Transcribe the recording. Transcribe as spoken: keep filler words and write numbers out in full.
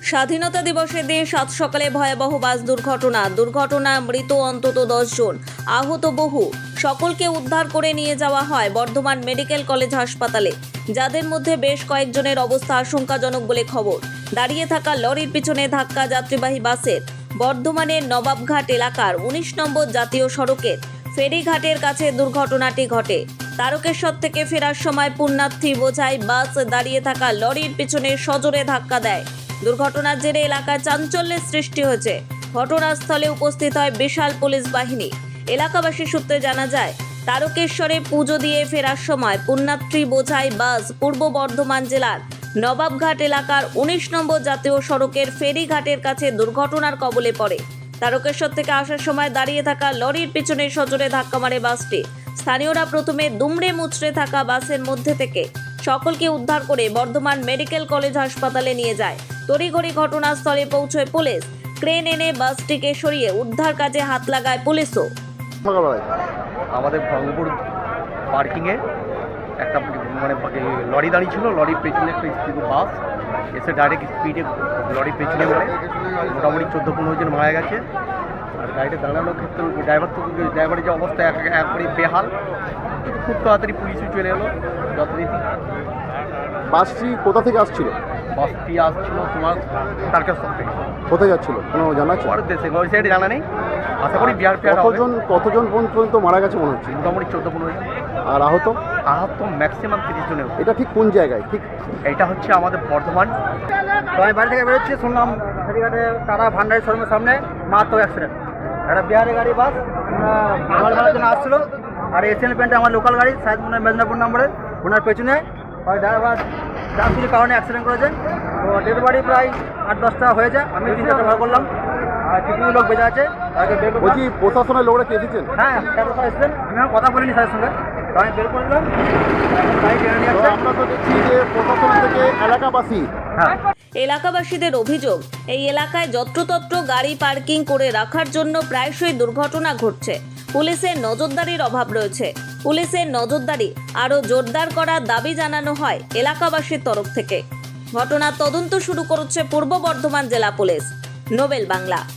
স্বাধীনতা দিবসের দিন সাত সকালে ভয়াবহ বাস দুর্ঘটনা দুর্ঘটনায় মৃত অন্তত দশ জন, আহত বহু। সকলকে উদ্ধার করে নিয়ে যাওয়া হয় বর্ধমান মেডিকেল কলেজ হাসপাতালে, যাদের মধ্যে বেশ কয়েকজনের অবস্থা আশঙ্কাজনক বলে খবর। দাঁড়িয়ে থাকা লরির পিছনে ধাক্কা যাত্রীবাহী বাসের। বর্ধমানের নবাবঘাট এলাকার উনিশ নম্বর জাতীয় সড়কের ফেরিঘাটের কাছে দুর্ঘটনাটি ঘটে। তারকেশ্বর থেকে ফেরার সময় পুণ্যার্থী বোঝাই বাস দাঁড়িয়ে থাকা লরির পিছনে সজোরে ধাক্কা দেয়। দুর্ঘটনার জেরে এলাকায় চাঞ্চল্যের সৃষ্টি হয়েছে। ঘটনাস্থলে উপস্থিত হয় বিশাল পুলিশ বাহিনী। এলাকাবাসী সূত্রে জানা যায়, তারকেশ্বরে পুজো দিয়ে ফেরার সময় পুণ্যার্থী বোঝাই বাস পূর্ব বর্ধমান জেলার নবাবঘাট এলাকার উনিশ নম্বর জাতীয় সড়কের ফেরিঘাটের কাছে দুর্ঘটনার কবলে পড়ে। তারকেশ্বর থেকে আসার সময় দাঁড়িয়ে থাকা লরির পিছনে সজোরে ধাক্কা মারে বাসটি। স্থানীয়রা প্রথমে দুমড়ে মুচড়ে থাকা বাসের মধ্যে থেকে সকলকে উদ্ধার করে বর্ধমান মেডিকেল কলেজ হাসপাতালে নিয়ে যায়। তড়িঘড়ি ঘটনাস্থলে পৌঁছয় পুলিশ। ক্রেন এনে বাসটিকে সরিয়ে উদ্ধার কাজে হাত লাগায় পুলিশও। আমাদের ভঙ্গপুর পার্কিংয়ে একটা মানে লরি দাঁড়িয়ে ছিল, লরির পেছনে একটা স্পিড বাস এসে ডাইরেক্ট স্পিডে লরির পেছনে মারে। মোটামুটি চোদ্দো পনেরো জন মারা গেছে। আর গাড়িটা দাঁড়ানোর ক্ষেত্রে ড্রাইভার তো ড্রাইভারের যে অবস্থা একবারে বেহাল। খুব তাড়াতাড়ি পুলিশও চলে এলো যথারীতি। বাসটি কোথা থেকে আসছিল? বাসটি আসছিল তোমার তারকেশ্বর থেকে। কোথায় যাচ্ছিল কোনো জানা আছে? পরের দেশে ওই সাইডে জানা নেই, আশা করি বিহার ফিহার। কতজন কতজন পর্যন্ত মারা গেছে মনে হচ্ছে? মোটামুটি চোদ্দো পনেরো জন। আর আহত? আহত ম্যাক্সিমাম তিরিশ জনের। এটা ঠিক কোন জায়গায়? ঠিক এটা হচ্ছে আমাদের বর্ধমান। তো আমি বাড়ি থেকে বেরোচ্ছি, শুনলাম ফেরিঘাটে টাটা ভান্ডারি শোরুমের সামনে মারাত্মক অ্যাক্সিডেন্ট। একটা বিহারের গাড়ি বাস মাল ভাড়ার জন্য আসছিলো, আর এশিয়ান পেন্টে আমার লোকাল গাড়ি সাহেব মনে মেদিনীপুর নম্বরে, ওনার পেছনে ওই ড্রাইভার যাত্রীর কারণে অ্যাক্সিডেন্ট করেছেন। তো ডেড বডি প্রায় আট দশটা হয়েছে, আমি তিন চারটা ভাড়া করলাম, আর কিছু লোক বেঁচে আছে তাকে বের করলাম। বলছি প্রশাসনের লোকরা কে এসেছেন? হ্যাঁ, স্যার এসেছেন, আমি আমার কথা বলিনি স্যারের সঙ্গে, তো আমি বের করে দিলাম। গাড়ি টেনে নিয়ে তো আসছে। আমরা তো দেখছি যে প্রশাসন থেকে এলাকাবাসী হ্যাঁ, এলাকাবাসীদের অভিযোগ, এই এলাকায় যত্রতত্র গাড়ি পার্কিং করে রাখার জন্য প্রায়শই দুর্ঘটনা ঘটছে। পুলিশের নজরদারির অভাব রয়েছে। পুলিশের নজরদারি আরও জোরদার করার দাবি জানানো হয় এলাকাবাসীর তরফ থেকে। ঘটনার তদন্ত শুরু করেছে পূর্ব বর্ধমান জেলা পুলিশ। নোবেল বাংলা।